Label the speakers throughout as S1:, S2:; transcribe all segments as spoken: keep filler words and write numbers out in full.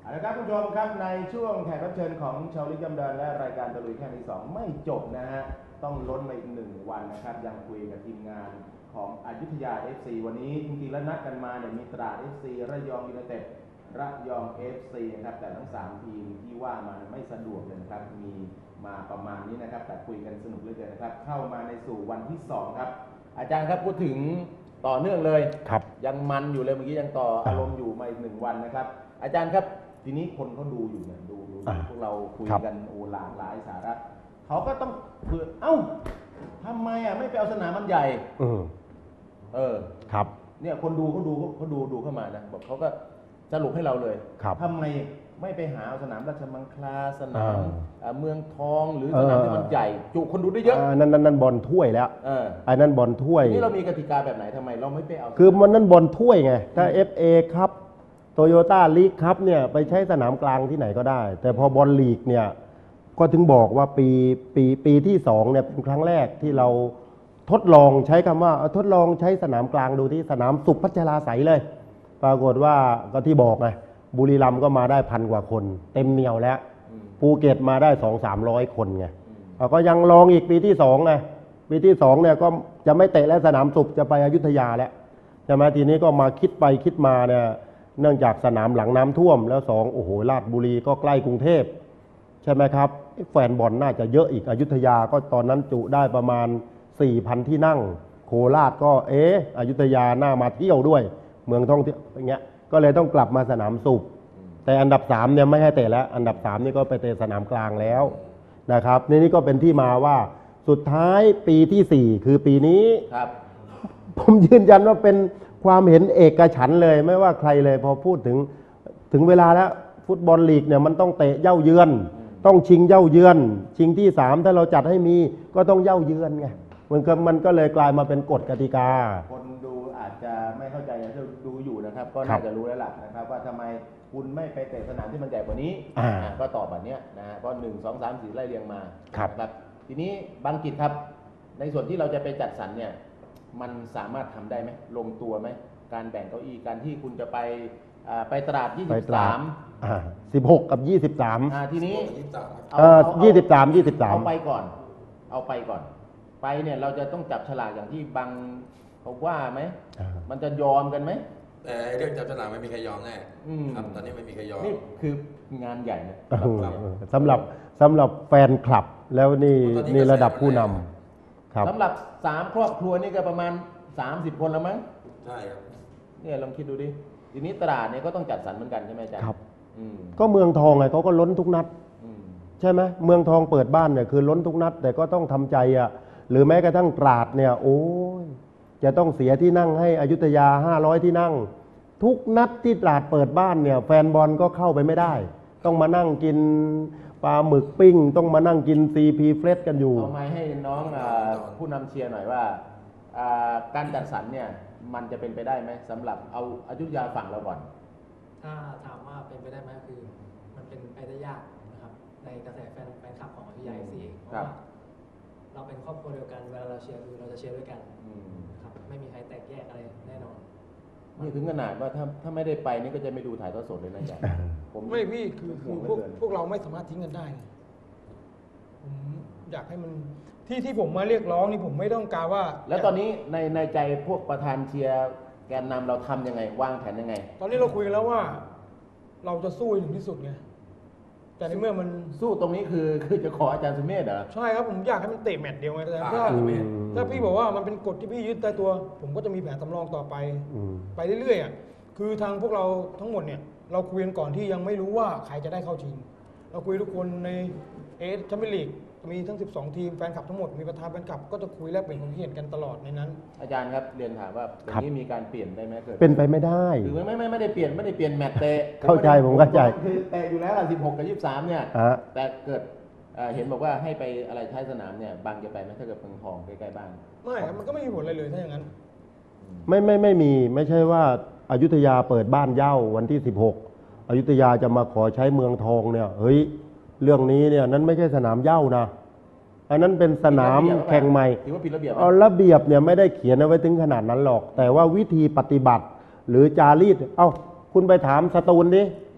S1: เอาละครับคุณผู้ชมครับในช่วงแขกรับเชิญของชาวลิกยำเดินและรายการตะลุยแค่ที่สองไม่จบนะฮะต้องล้นมาอีกหนึ่งวันนะครับยังคุยกับทีมงานของอยุธยา เอฟ ซี วันนี้จริงๆแล้วนัดกันมาเนี่ยมีตราด เอฟ ซี ระยองยูไนเต็ดระยอง เอฟ ซี นะครับแต่ทั้งสามทีมที่ว่ามันไม่สะดวกเลยนะครับมีมาประมาณนี้นะครับแต่คุยกันสนุกเหลือเกินนะครับเข้ามาในสู่วันที่สองครับอาจารย์ครับพูดถึงต่อเนื่องเลย
S2: ครับ
S1: ยังมันอยู่เลยเมื่อกี้ยังต่ออารมณ์อยู่มาอีกหนึ่งวันนะครับอาจารย์ครับทีนี้คนเขาดูอยู่เนี่ยดูดูพวกเราคุยกันโอ้หลากหลายสาระเขาก็ต้องเผื่อเอ้าทำไมอ่ะไม่ไปเอาสนามมันใหญ่เออ
S2: ครับ
S1: เนี่ยคนดูเขาดูเขาดูดูเข้ามานะบอกเขาก็สรุปให้เราเลยทำไมไม่ไปหาสนามราชมังคลาสนามเมืองทองหรือสนามที่มันใหญ่จุคนดูได้เยอะ
S2: นั่นนั่นนั่นบอลถ้วยแล้วไอ้นั่นบอลถ้วย
S1: นี่เรามีกติกาแบบไหนทำไมเราไม่ไปเอา
S2: คือมันนั่นบอลถ้วยไงถ้า เอฟ เอ ครับโตโยต้าลีกครับเนี่ยไปใช้สนามกลางที่ไหนก็ได้แต่พอบอลลีกเนี่ยก็ถึงบอกว่าปีปีปีที่สองเนี่ยเป็นครั้งแรกที่เราทดลองใช้คำว่าทดลองใช้สนามกลางดูที่สนามสุขพัชราไสยเลยปรากฏว่าก็ที่บอกไงบุรีรัมย์ก็มาได้พันกว่าคนเต็มเหนียวแล้วภูเก็ตมาได้สองสามร้อยคนไงก็ยังลองอีกปีที่สองไงปีที่สองเนี่ยก็จะไม่เตะแล้วสนามสุขจะไปอยุธยาแล้วใช่ไหมทีนี้ก็มาคิดไปคิดมาเนี่ยเนื่องจากสนามหลังน้ำท่วมแล้วสองโอ้โหราชบุรีก็ใกล้กรุงเทพใช่ไหมครับแฟนบอลน่าจะเยอะอีกอยุธยาก็ตอนนั้นจุได้ประมาณ สี่พัน ที่นั่งโคราชก็เอ๊ะอยุธยาน่ามาเที่ยวด้วยเมืองท่องเที่ยวอย่างเงี้ยก็เลยต้องกลับมาสนามสุขแต่อันดับสามเนี่ยไม่ให้เตะแล้วอันดับสามนี่ก็ไปเตะสนามกลางแล้วนะครับนี่นี่ก็เป็นที่มาว่าสุดท้ายปีที่สี่คือปีนี้ครับผมยืนยันว่าเป็นความเห็นเอกฉันท์เลยไม่ว่าใครเลยพอพูดถึงถึงเวลาแล้วฟุตบอลลีกเนี่ยมันต้องเตะเย่าเยือนต้องชิงเย่าเยือนชิงที่สามถ้าเราจัดให้มีก็ต้องเย่าเยือนไงมันก็มันก็เลยกลายมาเป็นกฎกติกา
S1: คนดูอาจจะไม่เข้าใจนะที่ดูอยู่นะครับก็น่าจะรู้แล้วล่ะนะครับว่าทำไมคุณไม่ไปเตะสนามที่มันใหญ่กว่านี้ก็ตอบแบบนี้นะฮะก็หนึ่งสองสามสี่ไล่เรียงมาครับทีนี้บางกิจครับในส่วนที่เราจะไปจัดสรรเนี่ยมันสามารถทำได้ไหมลงตัวไหมการแบ่งเก้าอี้การที่คุณจะไปไปตราดยี่สิบสาม
S2: สิบหกกับยี่สิบสาม
S1: ทีนี้
S2: ยี่สิบสามยี่สิบสาม
S1: เอาไปก่อนเอาไปก่อนไปเนี่ยเราจะต้องจับฉลากอย่างที่บางเขาว่าไหมมันจะยอมกันไหม
S3: แต่เรื่องจับฉลากไม่มีใครยอมแน่ครับตอนนี้ไม่มีใครยอม
S1: นี่คืองานใหญ่นะ
S2: สำหรับสำหรับแฟนคลับแล้วนี่นี่ระดับผู้นำ
S1: ครับสำหรับสามครอบครัวนี่ก็ประมาณสามสิบคนแล้วมั้ง
S3: ใช่ครับ
S1: เนี่ยลองคิดดูดิทีนี้ตลาดเนี่ยก็ต้องจัดสรรเหมือนกันใช่ไหมอาจารย์
S2: ครับก็เมืองทองไงเขาก็ล้นทุกนัดใช่ไหมเมืองทองเปิดบ้านเนี่ยคือล้นทุกนัดแต่ก็ต้องทำใจอ่ะหรือแม้กระทั่งตราดเนี่ยโอ้ยจะต้องเสียที่นั่งให้อยุธยาห้าร้อยที่นั่งทุกนัดที่ตราดเปิดบ้านเนี่ยแฟนบอลก็เข้าไปไม่ได้ต้องมานั่งกินปลาหมึกปิ้งต้องมานั่งกินซีพีเฟรชกันอยู่
S1: เอาไม้ให้น้องผู้นำเชียร์หน่อยว่าการจัดสรรเนี่ยมันจะเป็นไปได้ไหมสำหรับเอาอยุธยาฝั่งเราก่อน
S4: ถ้าถามว่าเป็นไปได้ไหมคือมันเป็นไปได้ยากนะครับในกระแสแฟนแฟนคลับของอยุธยาเอฟซีเพราะว่าเราเป็นครอบครัวเดียวกันเวลาเราเชียร์คือเราจะเชียร์ด้วยกันครับไม่มีใครแตกแยกอะไรแน่นอน
S1: นี่ถึงขนาดว่าถ้าถ้าไม่ได้ไปนี่ก็จะไม่ดูถ่ายทอดสดเลยนะจ๊ะ
S5: ผมไม่พี่คือคือพวกพวกเราไม่สามารถทิ้งกันได้ผมอยากให้มันที่ที่ผมมาเรียกร้องนี่ผมไม่ต้องการว่า
S1: แล้วตอนนี้ในในใจพวกประธานเชียร์แกนนำเราทำยังไงวางแผนยังไง
S5: ตอนนี้เราคุยกันแล้วว่าเราจะสู้ถึงที่สุดไงแต่ในเมื่อมัน
S1: สู้ตรงนี้คือคือจะขออาจารย์สุเมธเหรอ
S5: ใช่ครับผมอยากให้มันเตะแมตช์เดียวไงแต่ถ้าถ้าพี่บอกว่ามันเป็นกฎที่พี่ยึดใต้ตัวผมก็จะมีแผนสำรองต่อไปไปเรื่อยๆอ่ะคือทางพวกเราทั้งหมดเนี่ยเราคุยกันก่อนที่ยังไม่รู้ว่าใครจะได้เข้าชิงเราคุยทุกคนในเอสแชมเปี้ยนลีกมีทั้งสิบสองทีมแฟนคลับทั้งหมดมีประธานแฟนคลับก็จะคุยแลกเปลี่ยนความคิดเห็นกันตลอดในนั้น
S1: อาจารย์ครับเรียนถามว่าตรงนี้มีการเปลี่ยนได้ไหมเกิด
S2: เป็นไปไม่ได้
S1: คือไม่ไม่ไม่ได้เปลี่ยนไม่ได้เปลี่ยนแมตช์เตะ
S2: เข้าใจผมเข้าใจ
S1: คือเตะอยู่แล้วล่ะสิบหกกับยี่สิบสามเนี่ยแต่เกิดเห็นบอกว่าให้ไปอะไรท้ายสนามเนี่ยบางจะไปไหมถ้าเกิดเมืองทองใกล้ๆบ้าน
S5: ไม่ครับมันก็ไม่มีผลอะไรเลยถ้าอย่างนั้น
S2: ไม่ไม่ไม่มีไม่ใช่ว่าอยุธยาเปิดบ้านเย้าวันที่สิบหกอยุธยาจะมาขอใช้เมืองทองเนี่ยเฮ้ยเรื่องนี้เนี่ยนั้นไม่ใช่สนามเย้านะอันนั้นเป็นสนามแข่งใหม่
S1: ถือว่าผิดระเบียบ
S2: เอาระเบียบเนี่ยไม่ได้เขียนเอาไว้ถึงขนาดนั้นหรอกแต่ว่าวิธีปฏิบัติหรือจารีตเอ้าคุณไปถามสตูลดิ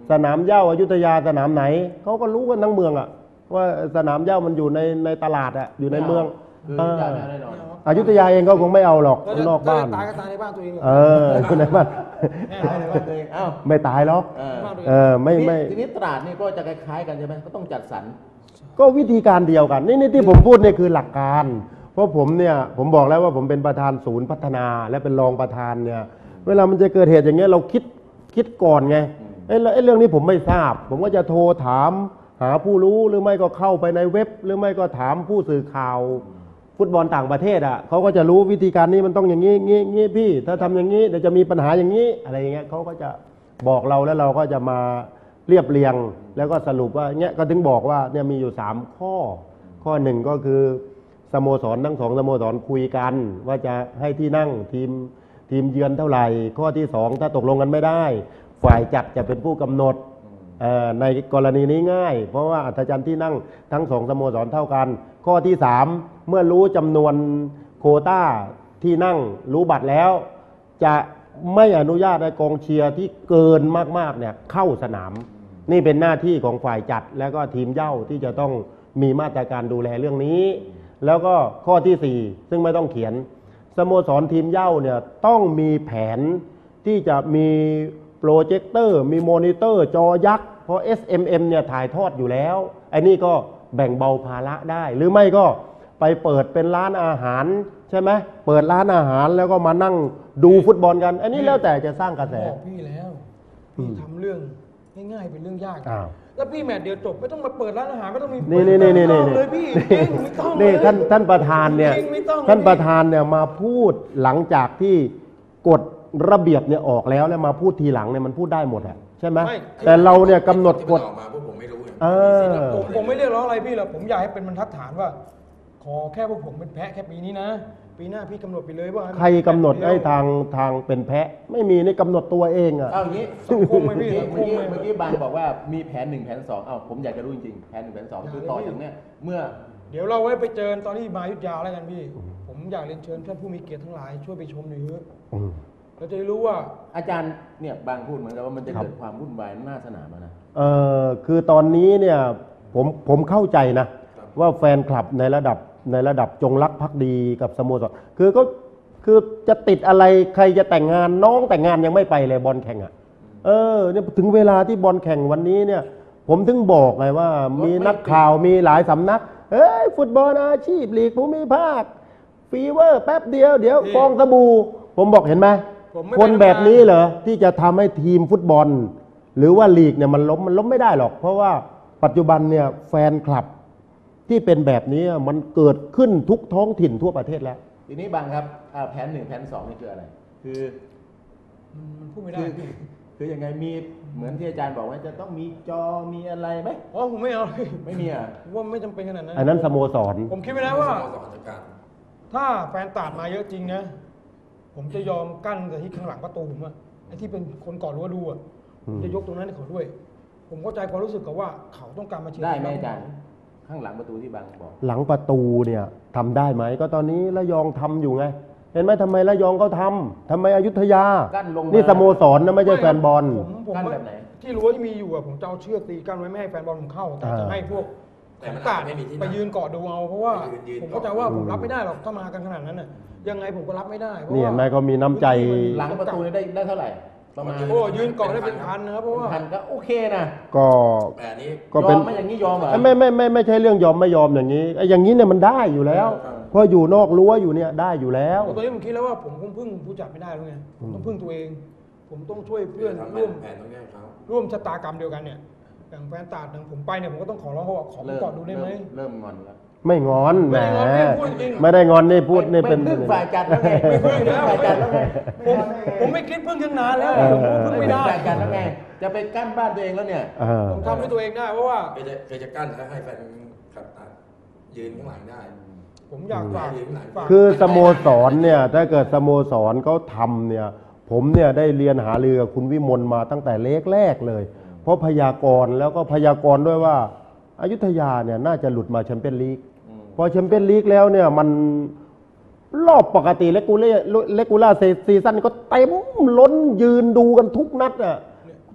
S2: สนามเหย้าอยุธยาสนามไหนเขาก็รู้กันทั้งเมืองอะว่าสนามเหย้ามันอยู่ในในตลาดอะอยู่ในเมือง
S1: คือ
S2: เออ
S1: จะเอาแน่นอน
S2: อยุธยาเองก็คงไม่เอาหรอก
S5: แล้ว
S2: นอกบ้าน
S5: ตายก็ตายในบ้านตัวเอง
S2: เอออยู่ในบ้าน
S5: แน่
S1: ตายในบ้านตัวเองอ้าว
S2: ไม่ตายหรอก
S1: เออ
S2: เออไม่ไม่
S1: ทีนี้ตราดนี่ก็จะคล้ายๆกันใช่ไหมก็ต้องจัดสรร
S2: ก็วิธีการเดียวกัน นี่นี่ที่ผมพูดเนี่ยคือหลักการ เพราะผมเนี่ยผมบอกแล้วว่าผมเป็นประธานศูนย์พัฒนา และเป็นรองประธานเนี่ยเวลามันจะเกิดเหตุอย่างเงี้ยเราคิดคิดก่อนไงไอ้เรื่องไอ้เรื่องนี้ผมไม่ทราบ ผมก็จะโทรถามหาผู้รู้หรือไม่ก็เข้าไปในเว็บ หรือไม่ก็ถามผู้สื่อข่าว ฟุตบอลต่างประเทศอ่ะเขาก็จะรู้วิธีการนี้มันต้องอย่างนี้งี้งี้พี่ ถ้าทำอย่างนี้เดี๋ยวจะมีปัญหาอย่างนี้อะไรอย่างเงี้ยเขาก็จะบอกเราแล้วเราก็จะมาเรียบเรียง แล้วก็สรุปว่าเนี้ยก็ถึงบอกว่าเนี่ยมีอยู่สามข้อ ข้อหนึ่งก็คือสโมสรทั้งสองสโมสรคุยกัน ว่าจะให้ที่นั่งทีมทีมเยือนเท่าไหร่ ข้อที่สองถ้าตกลงกันไม่ได้ ฝ่ายจัดจะเป็นผู้กำหนดเอ่อในกรณีนี้ง่าย เพราะว่าอัธจันทร์ที่นั่งทั้งสองสโมสรเท่ากัน ข้อที่สามเมื่อรู้จำนวนโควต้าที่นั่งรู้บัตรแล้ว จะไม่อนุญาตให้กองเชียร์ที่เกินมากๆเนี่ยเข้าสนาม นี่เป็นหน้าที่ของฝ่ายจัดและก็ทีมเหย้าที่จะต้องมีมาตรการดูแลเรื่องนี้ แล้วก็ข้อที่สี่ซึ่งไม่ต้องเขียนสโมสรทีมเหย้าเนี่ยต้องมีแผนที่จะมีโปรเจคเตอร์มีมอนิเตอร์จอยักษ์เพราะ เอส เอ็ม เอ็ม เนี่ยถ่ายทอดอยู่แล้วไอ้นี่ก็แบ่งเบาภาระได้ หรือไม่ก็ไปเปิดเป็นร้านอาหารใช่ไหมเปิดร้านอาหารแล้วก็มานั่งดูฟุตบอลกัน อันนี้แล้วแต่จะสร้างกระแส
S5: บอกพี่แล้วพี่ทำเรื่องง่ายๆเป็นเรื่องยาก
S2: อ้าว
S5: แล้วพี่แมตช์เดียวจบไม่ต้องมาเปิดร้านอาหารไม่ต้องมี
S2: นี่นี่นี่นี่
S5: ไม่
S2: นี่
S5: ต้องเลยพี่จริงไม่ต้องเลย
S2: นี่ท่านท่านประธานเนี่ย
S5: จริงไม่ต้องเลย
S2: ท่านประธานเนี่ยมาพูดหลังจากที่กฎระเบียบเนี่ยออกแล้วแล้วมาพูดทีหลังเนี่ยมันพูดได้หมดอะใช่ไหมแต่เราเนี่ยกำหนดกฎ
S3: ที่มันออกมาพวกผมไม่รู้ไง
S2: เออ
S5: ผมผมไม่เรียกร้องอะไรพี่หรอกผมอยากให้เป็นบรรทัดฐานว่า ขอแค่พวกผมเป็นแพะแค่ปีนี้นะ ปีหน้าพี่กำหนดไปเลยว่ามัน
S2: ใครกำหนดให้ทางทางเป็นแพะ ไม่มีนี่กำหนดตัวเองอะ
S1: เอาอย่างนี้
S5: สังคมไหมพี่
S1: เมื่อกี้
S5: สังคมไหม
S1: เมื่อกี้บางบอกว่ามีแผนหนึ่งแผนสองเอ้าผมอยากจะรู้จริงๆแผนหนึ่งแผนสองคือต่อจากเนี้ยเมื่อ
S5: เดี๋ยวเราไว้ไปเจอตอนที่มาอยุธยาแล้วกันพี่ ผมอยากเรียนเชิญท่านผู้มีเกียรติทั้งหลายช่วยไปชมหน่อยเถอะ
S2: อืม
S5: เราจะได้รู้ว่า
S1: อาจารย์เนี่ยบางพูดเหมือนกับว่ามันจะ
S2: ครับ
S1: เกิดความวุ่นวายหน้าสนามอะนะ
S2: เออคือตอนนี้เนี่ยผมผมเข้าใจนะ ว่าแฟนคลับในระดับในระดับจงรักภักดีกับสโมสรคือก็คือจะติดอะไรใครจะแต่งงานน้องแต่งงานยังไม่ไปเลยบอลแข่งอ่ะเออเนี่ยถึงเวลาที่บอลแข่งวันนี้เนี่ย ผมถึงบอกไงว่ามีนักข่าวมีหลายสำนักเอ้ยฟุตบอลอาชีพลีกภูมิภาคฟีเวอร์แป๊บเดียวเดี๋ยวฟองสบู่ผมบอกเห็นไหม
S5: ผมไม่
S2: คนแบบนี้เหรอที่จะทำให้ทีมฟุตบอล หรือว่าลีกเนี่ยมันล้มมันล้มไม่ได้หรอก เพราะว่าปัจจุบันเนี่ยแฟนคลับที่เป็นแบบนี้มันเกิดขึ้นทุกท้องถิ่นทั่วประเทศแล้ว
S1: ทีนี้บางครับอ่าแผนหนึ่งแผนสองนี่คืออะไร คือ
S5: มันพูดไม่ได้
S1: คือ
S5: พี่
S1: คือยังไงมีเหมือนที่อาจารย์บอกว่าจะต้องมีจอมีอะไรไหม
S5: อ๋อผมไม่เอาพี่
S1: ไม่มีอ่ะ
S5: ผมว่าไม่จำเป็นขนาดนั้น
S2: อันนั้นสโมสร
S5: ผมคิดไว้นะว่า
S3: สโมสรจัดการ
S5: ถ้าแฟนตาดมาเยอะจริงนะ ผมจะยอมกั้นแต่ที่ข้างหลังประตูผมอะไอ้ที่เป็นคนก่อนรั้วดูอะผมจะยกตรงนั้นให้เขาด้วย ผมเข้าใจความรู้สึกกับว่าเขาต้องการมาเชียร์
S1: ได้ไหม
S5: ที
S1: อาจารย์ข้างหลังประตูที่บางบอก
S2: หลังประตูเนี่ยทำได้ไหมก็ตอนนี้ระยองทำอยู่ไง เห็นไหมทำไมระยองเขาทำทำไมอยุธยา
S1: กั้นลงมา
S2: นี่สโมสรนะไม่ใช่แฟนบอล
S5: ผมผม
S1: กั้นแบบไหน
S5: ที่รั้วที่มีอยู่อะผมจะเอาเชือกตีกั้นไว้ไม่ให้แฟนบอลผมเข้า แต่จะ
S2: อ่า
S5: ให้พวก
S3: แต่
S5: ของ
S3: มัน
S5: ตาด
S3: ไม่มีที่นั่ง
S5: ไปยืนเกาะดูเอาเพราะว่า
S3: ยืนยืน
S5: ผมเข้าใจว่า
S2: เกาะ
S5: ผมรับไม่ได้หรอกถ้ามากันขนาดนั้นน่ะยังไงผมก็รับไม่ได้เพราะ
S2: นี่
S5: ว่า
S2: เห็นไหมเขามีน้ำใจ
S1: หลังประตูนี่ได้ได้เท่าไหร่ ประมาณ
S5: โอ้ยืนเกาะได้เป็นพันนะครับเพราะว่า
S1: พันก็โอเคนะ
S2: ก็
S3: แต่อันนี้
S2: ก็
S1: ย
S2: เป็
S1: อน มไหมอย่างนี้ยอมเหรอ
S2: ไม่ไม่ไม่ไม่ใช่เรื่องยอมไม่ยอมอย่างนี้ไอ้อย่างนี้เนี่ยมันได้อยู่แล้ว
S1: เออ
S2: เพราะอยู่นอกรั้วอยู่เนี่ยได้อยู่แล้ว
S5: ตอนนี้ผมคิดแล้วว่าผมคงพึ่งผู้จัดไม่ได้แล้วไงผมต้องพึ่งตัวเอง ผมต้องช่วยเพื่อน
S3: ทำ
S5: ร่วม
S3: แผนตรงนี้ให้เขา
S5: ร่วมชะตากรรมเดียวกันเนี่ยอย่างแฟนตาดอย่างผมไปเนี่ยผมก็ต้องขอร้องเขาว่าขอผม
S1: เริ่ม
S5: เกาะดูได้ไหม
S1: เริ่มงอนแล้ว
S2: ไม่งอนแหม
S5: ไม่ได้งอนพี่พูดจริง
S2: ไม่ได้งอนนี่พูดนี่เป็น
S1: ไม่พึ่งฝ่ายจัดแล้วไงไม่พึ่งฝ่ายจัดแล้วไง
S5: ผมผมไม่คิดพึ่งทั้งนานแล้ว
S2: เออ
S5: ผมพึ่งไม่ได้
S1: ฝ่ายจัดแล้วไง จะไปกั้นบ้านตัวเองแล้วเนี่ย
S2: เออ
S5: ผมทำด้วยตัวเองได้เพราะว่า
S3: เคยจะเคยจะกั้นแล้วให้แฟนขับตายืนข้างหลังได้
S5: ผมอยากฝาก
S3: อืม
S5: ฝาก
S2: คือสโมสรเนี่ยถ้าเกิดสโมสรเขาทำเนี่ยผมเนี่ยได้เรียนหาเรือกับคุณวิมลมาตั้งแต่เล็กแรกเลย เพราะพยากรณ์แล้วก็พยากรณ์ด้วยว่าอายุทยาเนี่ยน่าจะหลุดมาแชมเปี้ยนลีก
S1: อืม
S2: พอแชมเปี้ยนลีกแล้วเนี่ยมันรอบปกติเลกูเล่เลกูล่าซีซั่นก็เต็มล้นยืนดูกันทุกนัดอ่ะ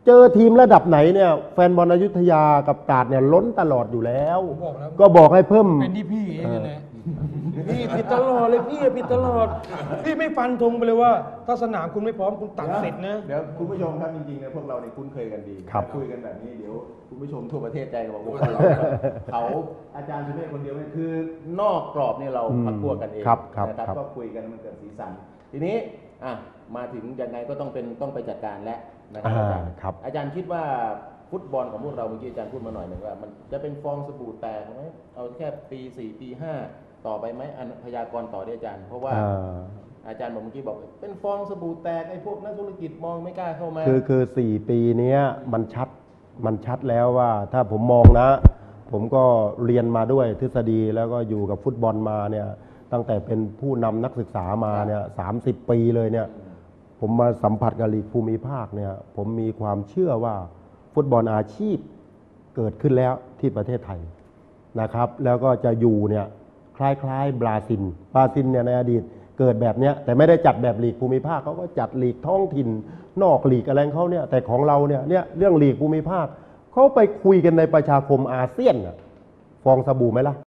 S2: เจอทีมระดับไหนเนี่ยแฟนบอลอยุธยากับตราดเนี่ยล้นตลอดอยู่แล้ว
S5: ผมบอกแล้ว
S2: ก็บอกให้เพิ่ม
S5: เป็นที่พี่เองนั่นแหละพี่ผิดตลอดเลยพี่ผิดตลอด พี่ไม่ฟันธงไปเลยว่า ถ้าสนามคุณไม่พร้อมคุณตัดสิทธิ์นะ
S1: เดี๋ยวคุณผู้ชมครับจริงๆเนี่ยพวกเราเนี่ยคุ้นเคยกันดี
S2: ครับ
S1: คุยกันแบบนี้เดี๋ยวคุณผู้ชมทั่วประเทศใจก็บอกว่าเราเขาอาจารย์สุเมฆคนเดียวเนี่ยคือนอกกรอบเนี่ยเราพักพวกกันเอง
S2: ครับครับ
S1: นะครับ
S2: ครับ
S1: ก็คุยกันมันเกิดสีสันทีนี้อ่ะมาถึงยังไงก็ต้องเป็นต้องไปจัดการแล้วนะครับอาจารย์
S2: ครับ
S1: อาจารย์คิดว่าฟุตบอลของพวกเราเมื่อกี้อาจารย์พูดมาหน่อยหนึ่งว่ามันจะเป็นฟองสบู่แตกไหมเอาแค่ปีสี่ปีห้าต่อไปไหมอันพยากรณ์ต่อได้อาจารย์ เพราะว่า
S2: อ่า
S1: อาจารย์บอกเมื่อกี้บอกเป็นฟองสบู่แตกไอ้พวกนักธุรกิจมองไม่กล้าเข้ามา
S2: คือคือสี่ปีเนี้ยมันชัดมันชัดแล้วว่าถ้าผมมองนะ ผมก็เรียนมาด้วยทฤษฎีแล้วก็อยู่กับฟุตบอลมาเนี่ยตั้งแต่เป็นผู้นำนักศึกษามาเนี่ยสามสิบปีเลยเนี่ยผมมาสัมผัสกับลีกภูมิภาคเนี่ยผมมีความเชื่อว่าฟุตบอลอาชีพเกิดขึ้นแล้วที่ประเทศไทยนะครับแล้วก็จะอยู่เนี่ยคล้ายๆบราซิลบราซิลเนี่ยในอดีตเกิดแบบเนี้ยแต่ไม่ได้จัดแบบลีกภูมิภาคเขาก็จัดลีกท้องถิ่นนอกลีกอะไรของเขาเนี่ยแต่ของเราเนี่ยเนี่ยเรื่องลีกภูมิภาคเขาไปคุยกันในประชาคมอาเซียนน่ะฟองสบู่ไหมล่ะ